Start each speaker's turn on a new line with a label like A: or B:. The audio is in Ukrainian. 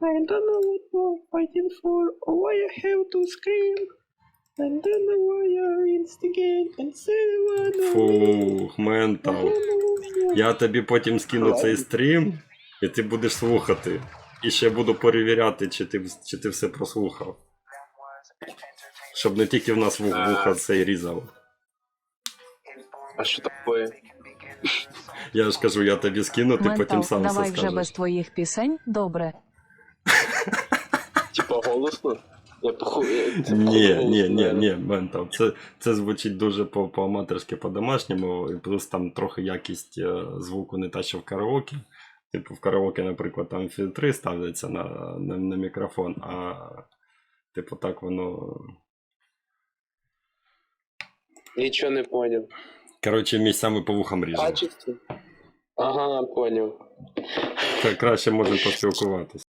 A: I don't know what we're fighting for, or why I have to scream. I don't know why I instigate and say what
B: Фух, ментал. Я тобі потім скину цей стрім, і ти будеш слухати. І ще буду перевіряти, чи ти все прослухав. Щоб не тільки в нас вуха цей різав.
C: А що таке?
B: Я ж кажу, я тобі скину, ти потім
D: Ментал,
B: сам все
D: давай вже
B: скажеш.
D: без твоїх пісень, добре.
C: Типа голосно? Я
B: Ні, ментал. Це звучить дуже по-аматорськи, по-домашньому, і плюс там трохи якість звуку не та, що в караоке. Типу в караоке, наприклад, там фільтри ставляться на мікрофон, а типу так воно.
C: Нічого не поняв.
B: Коротше, місцями по вухам ріже.
C: Качество? Ага, поняв.
B: Краще можемо поспілкуватися.